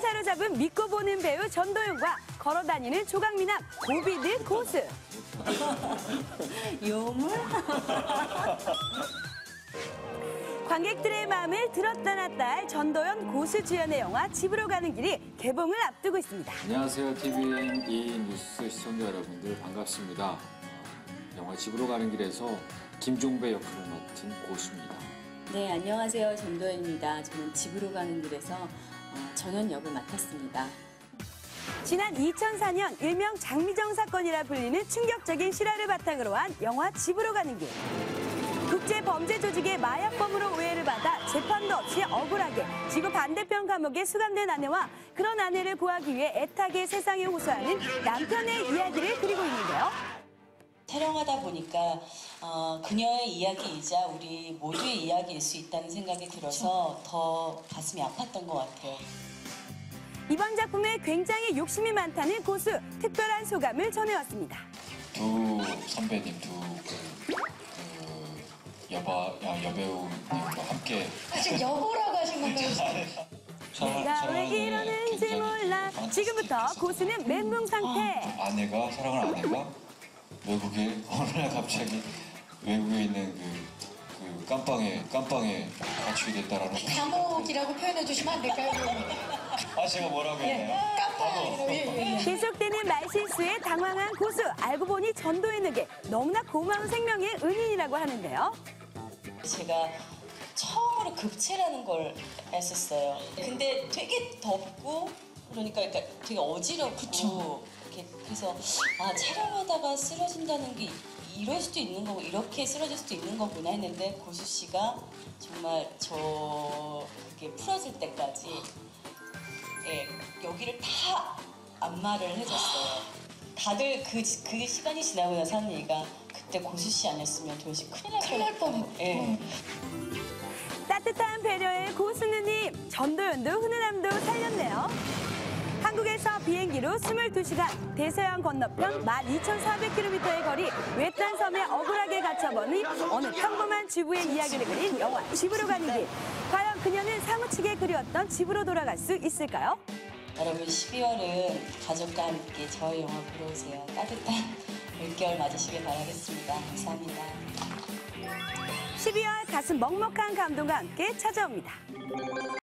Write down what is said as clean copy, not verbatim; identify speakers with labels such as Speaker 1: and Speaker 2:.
Speaker 1: 사로잡은 믿고 보는 배우 전도연과 걸어다니는 조각미남 고비드 고수.
Speaker 2: 요물?
Speaker 1: 관객들의 마음을 들었다 놨다 할 전도연 고수 주연의 영화 집으로 가는 길이 개봉을 앞두고 있습니다.
Speaker 3: 안녕하세요. TVN E-뉴스 시청자 여러분들 반갑습니다. 영화 집으로 가는 길에서 김종배 역할을 맡은 고수입니다.
Speaker 2: 네, 안녕하세요. 전도연입니다. 저는 집으로 가는 길에서 전원 역을 맡았습니다.
Speaker 1: 지난 2004년 일명 장미정 사건이라 불리는 충격적인 실화를 바탕으로 한 영화 집으로 가는 길. 국제범죄조직의 마약범으로 오해를 받아 재판도 없이 억울하게 지구 반대편 감옥에 수감된 아내와 그런 아내를 구하기 위해 애타게 세상에 호소하는 남편의 이야기를 그리고 있는데요.
Speaker 4: 촬영하다 보니까 그녀의 이야기이자 우리 모두의 이야기일 수 있다는 생각이 들어서 더 가슴이 아팠던 것 같아요.
Speaker 1: 이번 작품에 굉장히 욕심이 많다는 고수, 특별한 소감을 전해왔습니다.
Speaker 3: 두 선배님, 여배우님과 함께
Speaker 5: 지금 여보라고 하신 건가요?
Speaker 1: 내가 왜 이러는지 몰라. 지금부터 고수는 멘붕 상태.
Speaker 3: 사랑하는 아내가 외국에 어느 날 갑자기 외국에 있는 그 깜빵에 갇히게 됐다라는.
Speaker 5: 감옥이라고 표현해 주시면 안 될까요?
Speaker 3: 제가 뭐라고 했나요?
Speaker 5: 깜빡이라고.
Speaker 1: 계속되는 말실수에 당황한 고수. 알고 보니 전도연에게 너무나 고마운 생명의 은인이라고 하는데요.
Speaker 4: 제가 처음으로 급체라는 걸 했었어요. 근데 되게 덥고 그러니까 되게 어지럽고 그래서 촬영하다가 쓰러진다는 게 이럴 수도 있는 거고 이렇게 쓰러질 수도 있는 거구나 했는데 고수 씨가 정말 그게 풀어질 때까지 여기를 다 안마를 해줬어요. 다들 그 시간이 지나고 나서 하는 얘기가 그때 고수 씨 아니었으면 도대체 큰일 날 뻔했고. 네.
Speaker 1: 따뜻한 배려의 고수 누님. 전도연도 훈훈함도 살렸네요. 한국에서 비행기로 22시간, 대서양 건너편 12,400km의 거리 외딴 섬에 억울하게 갇혀버린 어느 평범한 주부의 이야기를 그린 영화 집으로 가는 길. 과연 그녀는 사무치게 그리웠던 집으로 돌아갈 수 있을까요?
Speaker 4: 여러분 12월은 가족과 함께 저희 영화 보러 오세요. 따뜻한 물결 맞으시길 바라겠습니다. 감사합니다.
Speaker 1: 12월 가슴 먹먹한 감동과 함께 찾아옵니다.